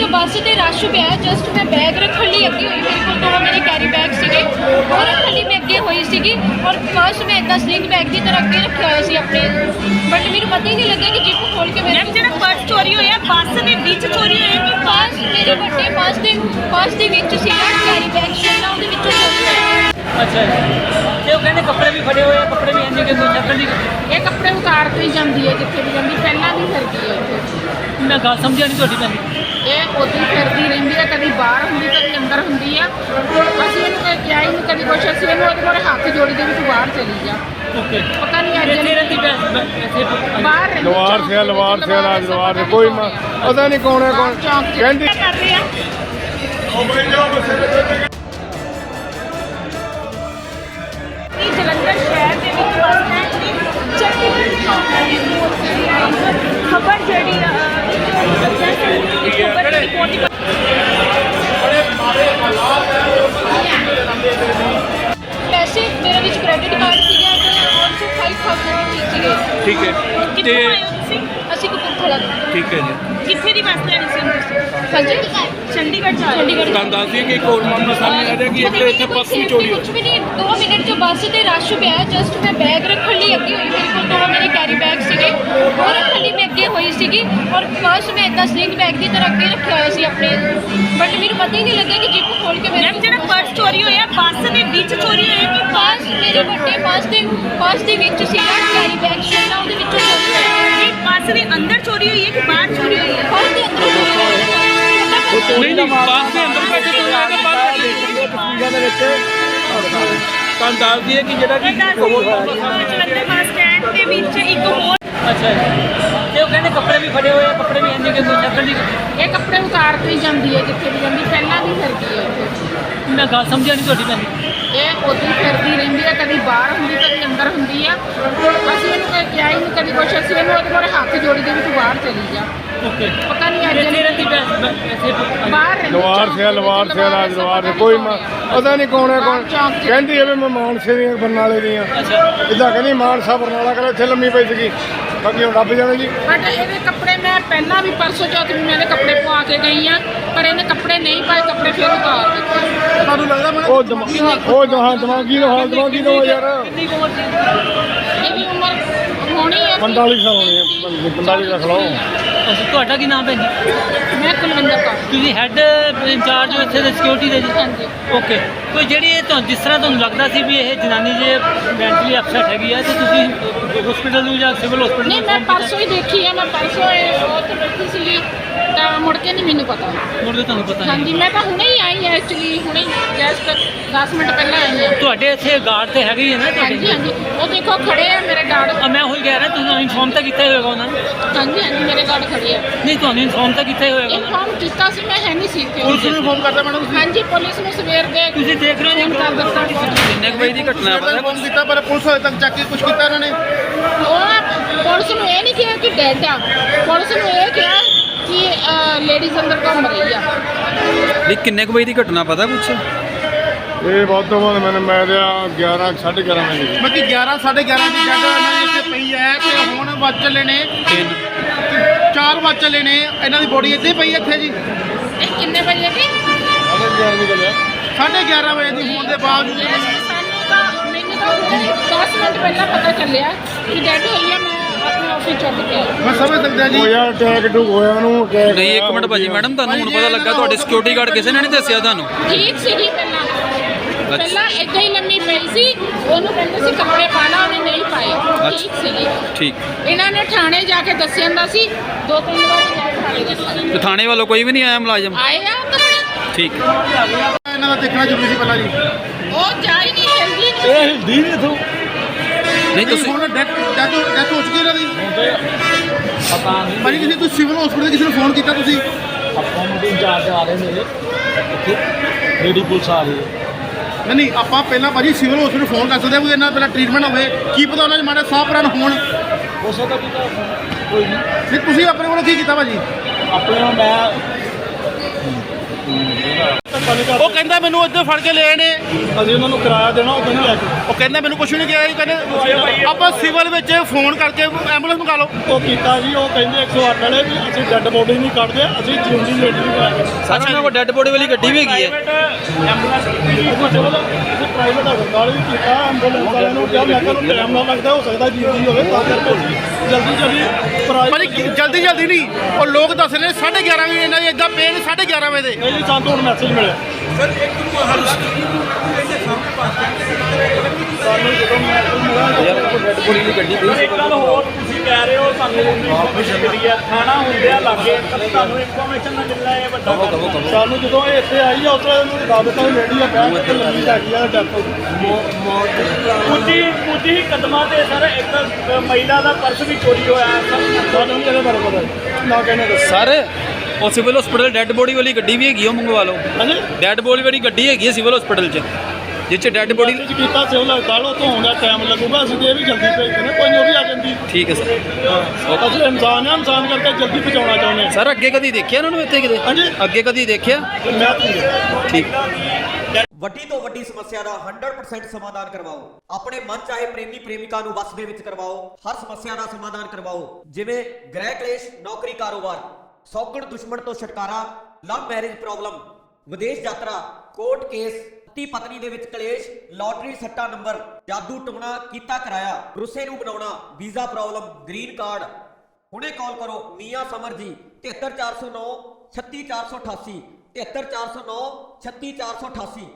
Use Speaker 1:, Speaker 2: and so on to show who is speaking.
Speaker 1: ਬੱਸ ਤੇ ਰਸ਼ ਪਿਆ। ਜਸਟ ਮੈਂ ਬੈਗ ਰੱਖਣ ਲਈ ਅੱਗੇ ਹੋਈ, ਮੇਰੇ ਕੋਲ ਦੋ ਮੇਰੇ ਕੈਰੀ ਬੈਗ ਸੀਗੇ, ਉਹ ਰੱਖਣ ਲਈ ਮੈਂ ਅੱਗੇ ਹੋਈ ਸੀਗੀ ਔਰ ਪਰਸ ਮੈਂ ਇੱਦਾਂ ਸਲਿੰਗ ਬੈਗ ਦੀ ਤਰ੍ਹਾਂ ਅੱਗੇ ਰੱਖਿਆ ਹੋਇਆ ਸੀ ਆਪਣੇ, ਬਟ ਮੈਨੂੰ ਪਤਾ ਹੀ ਨਹੀਂ ਲੱਗਿਆ ਕਿ ਜਿੱਪ ਖੋਲ ਕੇ
Speaker 2: ਮੈਮ ਜਿਹੜਾ ਪਰਸ ਚੋਰੀ ਹੋਇਆ ਬੱਸ ਦੇ ਵਿੱਚ ਚੋਰੀ ਹੋਇਆ ਕਿ
Speaker 1: ਪਰਸ ਮੇਰੇ ਵੱਡੇ ਪਰਸ ਦੇ ਵਿੱਚ ਸੀਗਾ ਕੈਰੀ ਬੈਗ ਸੀਗਾ, ਉਹਦੇ ਵਿੱਚੋਂ ਚੋਰੀ ਹੋਇਆ।
Speaker 3: ਅੱਛਾ ਜੀ। ਤੇ ਉਹ ਕਹਿੰਦੇ ਕੱਪੜੇ ਵੀ ਫੜੇ ਹੋਏ ਆ, ਕੱਪੜੇ ਵੀ ਇੰਨੇ ਕਿ ਕੋਈ ਚੱਕਰ ਨਹੀਂ।
Speaker 1: ਇਹ ਕੱਪੜੇ ਉਤਾਰ ਕੇ ਹੀ ਜਾਂਦੀ ਹੈ ਜਿੱਥੇ ਵੀ ਜਾਂਦੀ, ਪਹਿਲਾਂ ਵੀ ਫਿਰਦੀ ਹੈ ਇੱਥੇ।
Speaker 3: ਮੈਂ ਗੱਲ ਸਮਝਿਆ ਨਹੀਂ ਤੁਹਾਡੀ ਭੈਣ।
Speaker 1: ਇਹ ਉੱਥੇ ਫਿਰਦੀ ਰਹਿੰਦੀ ਹੈ, ਕਦੀ ਬਾਹਰ ਹੁੰਦੀ ਕਦੀ ਅੰਦਰ ਹੁੰਦੀ ਆ। ਅਸੀਂ ਇਹਨੂੰ ਕਦੇ ਕਿਹਾ ਹੀ ਨਹੀਂ ਕਦੀ ਕੁਛ, ਅਸੀਂ ਇਹਨੂੰ ਉਹਦੇ ਕੋਲ ਹੱਥ ਜੋੜੀ ਦੇ ਵੀ ਤੂੰ ਬਾਹਰ ਚਲੀ ਜਾ।
Speaker 3: ਓਕੇ।
Speaker 1: ਪਤਾ ਨਹੀਂ ਅੱਜ
Speaker 3: ਇੱਥੇ ਰਹਿੰਦੀ
Speaker 1: ਬਾਹਰ ਰਹਿੰਦੀ
Speaker 4: ਲਵਾਰ ਸੇ ਕੋਈ ਪਤਾ ਨਹੀਂ ਕੌਣ ਹੈ ਕੌਣ ਕਹਿੰਦੀ
Speaker 2: ਕਰ ਰਹੇ ਆ। ਇਹ ਜਲੰਧਰ ਸ਼ਹਿਰ ਦੇ ਵਿੱਚ ਬੱਸ ਸਟੈਂਡ ਦੀ ਚੱਕੀ ਖਬਰ ਜਿਹੜੀ ਖਬਰ ਦੀ ਰਿਪੋਰਟ
Speaker 1: ਪੈਸੇ ਮੇਰੇ ਵਿੱਚ ਕ੍ਰੈਡਿਟ ਕਾਰਡ ਸੀਗਾ ਤੇ ਆਲਸੋ 5000 ਸੀਗੇ।
Speaker 5: ਠੀਕ ਹੈ
Speaker 2: ਕਿੱਥੋਂ ਆਏ ਹੋ ਤੁਸੀਂ?
Speaker 1: ਅਸੀਂ ਕਪੂਰਥਲਾ ਤੋਂ।
Speaker 5: ਠੀਕ ਹੈ ਜੀ।
Speaker 2: ਕਿੱਥੇ ਦੀ ਬੱਸ ਲੈਣੀ ਸੀ ਤੁਸੀਂ?
Speaker 1: ਹਾਂਜੀ
Speaker 2: ਚੰਡੀਗੜ੍ਹ ਜਾ ਰਹੇ ਹੋ?
Speaker 5: ਤੁਹਾਨੂੰ ਦੱਸ ਦਈਏ ਕਿ ਇੱਕ ਹੋਰ ਮਾਮਲਾ ਸਾਹਮਣੇ ਆ ਰਿਹਾ ਕਿ ਇੱਥੇ ਪਰਸ ਵੀ ਚੋਰੀ ਹੋਈ।
Speaker 1: ਕੁਝ ਵੀ ਨਹੀਂ, 2 ਮਿੰਟ ਚ ਬੱਸ ਤੇ ਰਸ਼ ਪਿਆ। ਜਸਟ ਮੈਂ ਬੈਗ ਰੱਖਣ ਲਈ ਅੱਗੇ ਹੋਈ, ਮੇਰੇ ਕੋਲ ਦੋ ਮੇਰੇ ਕੈਰੀ ਬੈਗ ਸੀਗੇ, ਉਹ ਰੱਖਣ ਲਈ ਮੈਂ ਅੱਗੇ ਹੋਈ ਸੀਗੀ ਔਰ ਪਰਸ ਮੈਂ ਇੱਦਾਂ ਸਲਿੰਗ ਬੈਗ ਦੀ ਤਰ੍ਹਾਂ ਅੱਗੇ ਰੱਖਿਆ ਹੋਇਆ ਸੀ ਆਪਣੇ, ਬਟ ਮੈਨੂੰ ਪਤਾ ਹੀ ਨਹੀਂ ਲੱਗਿਆ ਕਿ ਜਿੱਪ ਖੋਲ ਕੇ
Speaker 2: ਮੈਮ ਜਿਹੜਾ ਪਰਸ ਚੋਰੀ ਹੋਇਆ ਬੱਸ ਦੇ ਵਿੱਚ ਚੋਰੀ ਹੋਇਆ ਕਿ
Speaker 1: ਪਰਸ ਮੇਰੇ ਵੱਡੇ ਪਰਸ ਦੇ ਵਿੱਚ ਸੀਗਾ ਕੈਰੀ ਬੈਗ ਸੀਗਾ, ਉਹਦੇ ਵਿੱਚੋਂ ਚੋਰੀ ਹੋਇਆ।
Speaker 2: ਇਹ ਬੱਸ ਦੇ ਅੰਦਰ ਚੋਰੀ ਹੋਈ ਹੈ ਕਿ ਬਾਹਰ ਚੋਰੀ ਹੋਈ ਹੈ?
Speaker 1: ਪਰਸ ਦੇ ਅੰਦਰ ਚੋਰੀ ਹੋਇਆ।
Speaker 5: ਨਹੀਂ ਨਹੀਂ ਬੱਸ ਦੇ ਅੰਦਰ ਬੈਠੇ ਚੋਰੀ ਹੋਇਆ ਕਿ ਬਾਹਰ ਬੈਠੇ
Speaker 4: ਤਸਵੀਰਾਂ ਦੇ ਵਿੱਚ
Speaker 5: ਤੁਹਾਨੂੰ ਦੱਸ ਦਈਏ ਕਿ ਜਿਹੜਾ ਕਿ
Speaker 2: ਜਲੰਧਰ ਬੱਸ ਸਟੈਂਡ ਦੇ ਵਿੱਚ ਇੱਕ ਹੋਰ
Speaker 3: ਅੱਛਾ ਜੀ। ਤੇ ਉਹ ਕਹਿੰਦੇ ਕੱਪੜੇ ਵੀ ਫੜੇ ਹੋਏ ਆ, ਕੱਪੜੇ ਵੀ ਇੰਨੇ ਕਿ ਕੋਈ ਚੱਕਰ ਨਹੀਂ।
Speaker 1: ਇਹ ਕੱਪੜੇ ਉਤਾਰ ਕੇ ਹੀ ਜਾਂਦੀ ਹੈ ਜਿੱਥੇ ਵੀ ਜਾਂਦੀ, ਪਹਿਲਾਂ ਵੀ ਫਿਰਦੀ ਹੈ ਇੱਥੇ।
Speaker 3: ਮੈਂ ਗੱਲ ਸਮਝਿਆ ਨਹੀਂ ਤੁਹਾਡੀ ਭੈਣ।
Speaker 1: ਇਹ ਉੱਥੇ ਫਿਰਦੀ ਰਹਿੰਦੀ ਹੈ, ਕਦੀ ਬਾਹਰ ਹੁੰਦੀ ਕਦੀ ਅੰਦਰ ਹੁੰਦੀ ਆ। ਅਸੀਂ ਇਹਨੂੰ ਕਦੇ ਕਿਹਾ ਹੀ ਨਹੀਂ ਕਦੀ ਕੁਛ, ਅਸੀਂ ਇਹਨੂੰ ਉਹਦੇ ਕੋਲ ਹੱਥ ਜੋੜੀ ਦੇ ਵੀ ਤੂੰ ਬਾਹਰ ਚਲੀ ਜਾ।
Speaker 3: ਓਕੇ।
Speaker 1: ਪਤਾ ਨਹੀਂ ਅੱਜ
Speaker 3: ਇੱਥੇ ਰਹਿੰਦੀ ਇੱਥੇ
Speaker 1: ਬਾਹਰ ਰਹਿੰਦੀ
Speaker 4: ਲਵਾਰ ਸੇ ਕੋਈ ਪਤਾ ਨਹੀਂ ਕੌਣ ਹੈ ਕੌਣ ਕਹਿੰਦੀ ਐਵੇਂ ਮੈਂ ਮਾਨਸੇ ਦੀਆਂ ਬਰਨਾਲੇ ਦੀਆਂ ਇੱਦਾਂ ਕਹਿੰਦੀ ਮਾਨਸਾ ਬਰਨਾਲਾ ਕਰ ਇੱਥੇ ਲੰਮੀ ਪਈ ਸੀਗੀ, ਬਾਕੀ ਹੁਣ ਰੱਬ ਜਾਣੇ ਜੀ।
Speaker 1: ਬਟ ਇਹਦੇ ਕੱਪੜੇ ਮੈਂ ਪਹਿਲਾਂ ਵੀ ਪਰਸੋਂ ਚੌਥ ਵੀ ਮੈਂ ਇਹਦੇ ਕੱਪੜੇ ਪਵਾ ਕੇ ਗਈ ਆ, ਪਰ ਇਹਨੇ ਕੱਪੜੇ ਨਹੀਂ ਪਾਏ, ਕੱਪੜੇ ਫਿਰ ਉਤਾਰ ਦਿੱਤੇ।
Speaker 4: ਤੁਹਾਨੂੰ ਲੱਗਦਾ ਉਹ ਦਿਮਾਗੀ ਦਾ ਯਾਰ
Speaker 3: ਕਿੰਨੀ ਕੁ ਉਮਰ ਸੀ?
Speaker 1: ਇਹਦੀ ਉਮਰ ਹੋਣੀ ਹੈ
Speaker 4: 45 ਸਾਲ ਹੋਣੀ ਹੈ, 45 ਰੱਖ ਲਓ।
Speaker 3: ਅੱਛਾ, ਤੁਹਾਡਾ ਕੀ ਨਾਮ ਭੈਣ ਜੀ?
Speaker 1: ਮੈਂ ਕੁਲਵਿੰਦਰ ਕੌਰ।
Speaker 3: ਤੁਸੀਂ ਹੈੱਡ ਇੰਚਾਰਜ ਹੋ ਇੱਥੇ ਦੇ ਸਿਕਿਉਰਿਟੀ ਦੇ ਜੀ?
Speaker 1: ਹਾਂਜੀ।
Speaker 3: ਓਕੇ। ਕੋਈ ਜਿਹੜੀ ਇਹ ਤੁਹਾਨੂੰ ਜਿਸ ਤਰ੍ਹਾਂ ਤੁਹਾਨੂੰ ਲੱਗਦਾ ਸੀ ਵੀ ਇਹ ਜਨਾਨੀ ਜੇ ਮੈਂਟਲੀ ਅਪਸੈਟ ਹੈਗੀ ਆ ਤੇ ਤੁਸੀਂ ਹਸਪੀਟਲ ਨੂੰ ਜਾਂ ਸਿਵਲ ਹਸਪੀਟਲ
Speaker 1: ਨਹੀਂ, ਮੈਂ ਪਰਸੋਂ ਹੀ ਦੇਖੀ ਆ, ਮੈਂ ਪਰਸੋਂ ਉਹ ਤੇ ਬੈਠੀ ਸੀਗੀ ਤਾਂ ਮੁੜ ਕੇ ਨਹੀਂ ਮੈਨੂੰ ਪਤਾ।
Speaker 3: ਮੁਰਦੇ ਤੁਹਾਨੂੰ ਪਤਾ ਨਹੀਂ?
Speaker 1: ਹਾਂਜੀ, ਮੈਂ ਤਾਂ ਹੁਣੇ ਹੀ ਆਈ ਹਾਂ ਐਕਚੁਅਲੀ, ਹੁਣੇ ਜਸਟ 10 ਮਿੰਟ ਪਹਿਲਾਂ ਆਈ ਹਾਂ।
Speaker 3: ਤੁਹਾਡੇ ਇੱਥੇ ਗਾਰਡ ਤੇ ਹੈਗੇ ਹੀ ਹੈ ਨਾ
Speaker 1: ਹਾਂਜੀ
Speaker 3: ਤੁਹਾਡੇ?
Speaker 1: ਹਾਂਜੀ, ਉਹ ਦੇਖੋ ਖੜੇ ਆ ਮੇਰੇ ਗਾਰਡ।
Speaker 3: ਮੈਂ ਉਹੀ ਕਹਿ ਰਿਹਾ, ਤੁਸੀਂ ਇਨਫੋਰਮ ਤਾਂ ਕੀਤਾ ਹੀ ਹੋਏਗਾ ਉਹਨਾਂ ਨੇ?
Speaker 1: ਹਾਂਜੀ ਹਾਂਜੀ, ਮੇਰੇ ਗਾਰਡ ਖੜੇ ਆ।
Speaker 3: ਨਹੀਂ, ਤੁਹਾਨੂੰ ਇਨਫੋਰਮ ਤਾਂ ਕੀਤਾ ਹੀ ਹੋਏਗਾ ਉਹਨਾਂ ਨੇ?
Speaker 1: ਇਨਫੋਰਮ ਕੀਤਾ ਸੀ, ਮੈਂ ਹੈ ਨਹੀਂ ਸੀ ਇੱਥੇ।
Speaker 4: ਪੁਲਿਸ ਨੂੰ ਇਨਫੋਰਮ ਕਰਦਾ ਮੈਡਮ ਤੁਸੀਂ?
Speaker 1: ਹਾਂਜੀ, ਪੁਲਿਸ ਨੂੰ ਸਵੇਰ ਦੇ
Speaker 3: ਤੁਸੀਂ ਦੇਖ ਰਹੇ ਹੋ ਜੀ
Speaker 1: ਫੋਨ ਕਰ ਦਿੱਤਾ।
Speaker 5: ਕਿੰਨੇ ਵਜੇ ਦੀ ਘਟਨਾ ਹੈ ਪਤਾ?
Speaker 4: ਫੋਨ ਕੀਤਾ ਪਰ ਪੁਲਿਸ ਹਜੇ ਤੱਕ ਚੱਕ ਕੇ ਕੁਝ ਕੀਤਾ ਇਹਨਾਂ ਨੇ।
Speaker 1: ਉਹ ਪੁਲਿਸ ਨੂੰ ਇਹ ਨਹੀਂ ਕਿਹਾ ਕਿ ਡੈਡ ਆ, ਪੁਲਿਸ ਨੂੰ ਇਹ ਕਿਹਾ ਕਿ ਲੇਡੀਜ਼ ਅੰਦਰ ਘੁੰਮ ਰਹੀ ਆ।
Speaker 5: ਨਹੀਂ ਕਿੰਨੇ ਵਜੇ ਦੀ ਘਟਨਾ ਪਤਾ ਕੁਛ?
Speaker 4: ਇਹ ਬਹੁਤ ਤੋਂ ਬਾਅਦ ਮੈਂ 11 11:30 ਵਜੇ
Speaker 6: ਬਾਕੀ 11 11:30 ਦੀ ਜੱਗ ਇਹਨਾਂ ਦੀ ਇੱਥੇ ਪਈ ਹੈ ਤੇ ਹੁਣ ਵੱਜ ਚੱਲੇ ਨੇ 4 ਵੱਜ ਚੱਲੇ ਨੇ, ਇਹਨਾਂ ਦੀ ਬੋਡੀ ਇੱਥੇ ਪਈ ਹੈ ਇੱਥੇ ਜੀ।
Speaker 1: ਇਹ ਕਿੰਨੇ ਵਜੇ ਦੀ?
Speaker 6: 11:30 ਵਜੇ ਦੀ ਹੋਣ ਦੇ ਬਾਵਜੂਦ
Speaker 1: ਸਾਨੂੰ ਤਾਂ ਮੈਨੂੰ ਤਾਂ 10 ਮਿੰਟ ਪਹਿਲਾਂ ਪਤਾ ਚੱਲਿਆ ਕਿ ਡੈਡ ਹੋਈ ਆ। ਮੈਂ ਆਪਣੇ ਆਫਿਸ ਚੁੱਕ ਕੇ ਆਈ।
Speaker 6: ਮੈਂ ਸਮਝ ਸਕਦਾ ਜੀ।
Speaker 4: ਹੋਇਆ ਅਟੈਕ ਟੂ ਹੋਇਆ ਉਹਨੂੰ attack
Speaker 5: ਨਹੀਂ ਇੱਕ ਮਿੰਟ ਭਾਜੀ, ਮੈਡਮ ਤੁਹਾਨੂੰ ਹੁਣ ਪਤਾ ਲੱਗਾ ਤੁਹਾਡੇ ਸਿਕਿਉਰਿਟੀ ਗਾਰਡ ਕਿਸੇ ਨੇ ਨਹੀਂ ਦੱਸਿਆ ਤੁਹਾਨੂੰ?
Speaker 1: ਠੀਕ ਸੀਗੀ ਪਹਿਲਾਂ ਏਦਾਂ ਹੀ ਲੰਮੀ ਪਈ ਸੀ, ਉਹਨੂੰ ਕਹਿੰਦੇ ਸੀ ਕੱਪੜੇ ਪਾ ਲਾ, ਉਹਨੇ ਨਹੀਂ ਪਾਏ। ਠੀਕ ਸੀਗੀ।
Speaker 5: ਠੀਕ।
Speaker 1: ਇਹਨਾਂ ਨੇ ਥਾਣੇ ਜਾ ਕੇ ਦੱਸਿਆ ਹੁੰਦਾ ਸੀ, 2-3 ਵਾਰ ਥਾਣੇ ਦੱਸਿਆ।
Speaker 5: ਤੇ ਥਾਣੇ ਵੱਲੋਂ ਕੋਈ ਵੀ ਨਹੀਂ ਆਇਆ ਮੁਲਾਜ਼ਮ?
Speaker 1: ਆਏ ਆ ਤਾਂ
Speaker 5: ਠੀਕ।
Speaker 6: ਇਹਨਾਂ ਦਾ ਦੇਖਣਾ ਜ਼ਰੂਰੀ ਸੀ ਪਹਿਲਾਂ ਜੀ।
Speaker 1: ਉਹ ਜਾ ਹੀ ਨਹੀਂ ਹਿਲਦੀ ਨਹੀਂ।
Speaker 4: ਇਹ ਹਿਲਦੀ ਨਹੀਂ ਇਥੋਂ।
Speaker 5: ਨਹੀਂ ਤੁਸੀਂ
Speaker 6: ਹੁਣ ਡੈਥ ਹੋ ਚੁੱਕੀ ਇਹਨਾਂ ਦੀ ਭਾਜੀ। ਤੁਸੀਂ ਸਿਵਲ ਹਸਪੀਟਲ ਕਿਸੇ ਨੂੰ ਫੋਨ ਕੀਤਾ ਤੁਸੀਂ?
Speaker 4: ਆਪਾਂ ਮੁੰਡੇ ਇੰਚਾਰਜ ਆ ਰਹੇ ਮੇਰੇ ਇੱਥੇ, ਲੇਡੀ ਪੁਲਿਸ ਆ ਰਹੀ ਹੈ।
Speaker 6: ਨਹੀਂ ਆਪਾਂ ਪਹਿਲਾਂ ਭਾਜੀ ਸਿਵਲ ਹਸਪੀਟਲ ਫੋਨ ਕਰ ਸਕਦੇ ਹਾਂ, ਕੋਈ ਇਹਨਾਂ ਪਹਿਲਾਂ ਟ੍ਰੀਟਮੈਂਟ ਹੋਵੇ, ਕੀ ਪਤਾ ਉਹਨਾਂ ਦੇ ਮਾੜੇ ਸਾਹ ਪ੍ਰਾਣ ਹੋਣ।
Speaker 4: ਹੋ ਸਕਦਾ ਕਿ ਕੋਈ ਨਹੀਂ।
Speaker 6: ਨਹੀਂ ਤੁਸੀਂ ਆਪਣੇ ਵੱਲੋਂ ਕੀ ਕੀਤਾ ਭਾਜੀ?
Speaker 4: ਆਪਣੇ ਨਾਲ ਮੈਂ
Speaker 6: ਉਹ ਕਹਿੰਦਾ ਮੈਨੂੰ ਇੱਧਰ ਫੜ ਕੇ ਲੈ ਨੇ,
Speaker 4: ਅਸੀਂ ਉਹਨਾਂ ਨੂੰ ਕਿਰਾਇਆ ਦੇਣਾ ਉਹ ਨਹੀਂ ਲੈ ਕੇ
Speaker 6: ਉਹ ਕਹਿੰਦਾ ਮੈਨੂੰ ਕੁਝ ਨਹੀਂ ਕਿਹਾ ਜੀ, ਕਹਿੰਦੇ ਆਪਾਂ ਸਿਵਲ ਵਿੱਚ ਫੋਨ ਕਰਕੇ ਐਂਬੂਲੈਂਸ ਮੰਗਾ ਲਓ।
Speaker 4: ਉਹ ਕੀਤਾ ਜੀ, ਉਹ ਕਹਿੰਦੇ 108 ਵਾਲੇ ਵੀ ਅਸੀਂ ਡੈੱਡ ਬੋਡੀ ਨਹੀਂ ਕੱਢਦੇ, ਅਸੀਂ ਜਿਉਂਦੀ ਲੇਡੀ ਨਹੀਂ ਕਰਾਂਗੇ।
Speaker 5: ਸਰ ਉਹਨਾਂ ਕੋਲ ਡੈੱਡ ਬੋਡੀ ਵਾਲੀ ਗੱਡੀ ਵੀ ਹੈਗੀ ਹੈ।
Speaker 4: ਪ੍ਰਾਈਵੇਟ ਹਸਪਤਾਲ ਵੀ ਕੀਤਾ, ਐਂਬੂਲੈਂਸ ਵਾਲਿਆਂ ਨੂੰ ਕਿਹਾ ਮੈਂ ਕਿਹਾ ਟਾਈਮ ਨਾ ਲੱਗਦਾ, ਹੋ ਸਕਦਾ ਜਿਉਂਦੀ ਹੋਵੇ ਤਾਂ ਕਰਕੇ ਜਲਦੀ
Speaker 6: ਭਾਜੀ ਜਲਦੀ ਜਲਦੀ ਨਹੀਂ, ਉਹ ਲੋਕ ਦੱਸ ਰਹੇ 11:30 ਵਜੇ ਇਹਨਾਂ ਦੇ ਇਦਾਂ ਪਏ ਨੇ 11:30 ਵਜੇ ਦੇ।
Speaker 4: ਇਹ ਜੀ ਸਾਨੂੰ ਹੁਣ ਮੈਸੇਜ ਮਿਲਿਆ ਸਾਨੂੰ ਜਦੋਂ ਮੈਸੇਜ ਮਿਲਿਆ
Speaker 5: ਡੈੱਡ ਬੋਡੀ ਵਾਲੀ ਗੱਡੀ ਪਈ
Speaker 7: ਇੱਕ ਗੱਲ ਹੋਰ ਤੁਸੀਂ ਕਹਿ ਰਹੇ ਹੋ ਸਾਨੂੰ ਇਨਫੋਰਮੇਸ਼ਨ ਮਿਲੀ ਹੈ, ਥਾਣਾ ਹੁੰਦੇ ਆ ਲਾਗੇ, ਤੁਹਾਨੂੰ ਇਨਫੋਰਮੇਸ਼ਨ ਨਾ ਮਿਲਣਾ ਇਹ ਵੱਡਾ ਗੱਲ ਹੈ।
Speaker 4: ਸਾਨੂੰ ਜਦੋਂ ਇਹ ਇੱਥੇ ਆਈ ਆ ਉਦੋਂ ਇਹਨੂੰ ਦੱਸ ਦਿੱਤਾ ਵੀ ਲੇਡੀ ਆ ਬੈਠ ਕੇ ਲੰਮੀ ਲੱਗ ਗਈ ਆ ਡੈਥ ਹੋ ਗਈ।
Speaker 7: ਕੁਝ ਹੀ ਕਦਮਾਂ ਤੇ ਸਰ ਇੱਕ ਮਹਿਲਾ ਦਾ ਪਰਸ ਵੀ ਚੋਰੀ ਹੋਇਆ ਹੈ ਸਰ।
Speaker 4: ਸਾਨੂੰ ਨਹੀਂ ਇਹਦੇ ਬਾਰੇ ਪਤਾ ਨਾ ਕਹਿੰਦੇ ਦੱਸੋ।
Speaker 5: ਸਰ ਉਹ ਸਿਵਲ ਹਸਪੀਟਲ ਡੈੱਡ ਬੋਡੀ ਵਾਲੀ ਗੱਡੀ ਵੀ ਹੈਗੀ, ਉਹ ਮੰਗਵਾ ਲਓ।
Speaker 4: ਹਾਂਜੀ
Speaker 5: ਡੈੱਡ ਬੋਡੀ ਵਾਲੀ ਗੱਡੀ ਹੈਗੀ ਹੈ ਸਿਵਲ ਹਸਪੀਟਲ 'ਚ, ਜਿਸ 'ਚ ਡੈੱਡ ਬੋਡੀ।
Speaker 4: ਚ ਕੀਤਾ ਸਿਵਲ ਹਸਪਤਾਲ ਉਹ ਧੋਣ ਦਾ ਟਾਈਮ ਲੱਗੂਗਾ, ਅਸੀਂ ਤੇ ਇਹ ਵੀ ਜਲਦੀ ਭੇਜਦੇ ਨੇ, ਕੋਈ ਨਹੀਂ ਉਹ ਵੀ ਆ ਜਾਂਦੀ।
Speaker 5: ਠੀਕ ਹੈ ਸਰ।
Speaker 4: ਅਸੀਂ ਇਨਸਾਨ ਆ, ਇਨਸਾਨ ਕਰਕੇ ਜਲਦੀ ਪਹੁੰਚਾਉਣਾ ਚਾਹੁੰਦੇ ਹਾਂ।
Speaker 5: ਸਰ ਅੱਗੇ ਕਦੀ ਦੇਖਿਆ ਉਹਨਾਂ ਨੂੰ ਇੱਥੇ ਕਿਤੇ?
Speaker 4: ਹਾਂਜੀ
Speaker 5: ਅੱਗੇ ਕਦੀ ਦੇਖਿਆ?
Speaker 4: ਮੈਂ ਤੁਹਾਨੂੰ
Speaker 5: ਠੀਕ।
Speaker 8: ਵੱਡੀ ਤੋਂ ਵੱਡੀ ਸਮੱਸਿਆ ਦਾ 100% ਸਮਾਧਾਨ ਕਰਵਾਓ। ਆਪਣੇ ਮਨ ਚਾਹੇ ਪ੍ਰੇਮੀ ਪ੍ਰੇਮਿਕਾ ਨੂੰ ਵਸ ਦੇ ਵਿੱਚ ਕਰਵਾਓ। ਹਰ ਸਮੱਸਿਆ ਦਾ ਸਮਾਧਾਨ ਕਰਵਾਓ, ਜਿਵੇਂ ਗ੍ਰਹਿ ਕਲੇਸ਼, ਨੌਕਰੀ, ਕਾਰੋਬਾਰ, ਸੌਗਣ ਦੁਸ਼ਮਣ ਤੋਂ ਛੁਟਕਾਰਾ, ਲਵ ਮੈਰਿਜ ਪ੍ਰੋਬਲਮ, ਵਿਦੇਸ਼ ਯਾਤਰਾ, ਕੋਰਟ ਕੇਸ, ਪਤੀ ਪਤਨੀ ਦੇ ਵਿੱਚ ਕਲੇਸ਼, ਲਾਟਰੀ ਸੱਟਾ ਨੰਬਰ, ਜਾਦੂ ਟੂਣਾ ਕੀਤਾ ਕਰਾਇਆ, ਰੁੱਸੇ ਨੂੰ ਬਣਾਉਣਾ, ਵੀਜ਼ਾ ਪ੍ਰੋਬਲਮ, ਗ੍ਰੀਨ ਕਾਰਡ। ਹੁਣੇ ਕਾਲ ਕਰੋ ਮੀਆਂ ਸਮਰ ਜੀ 73409 36488 73409 36488।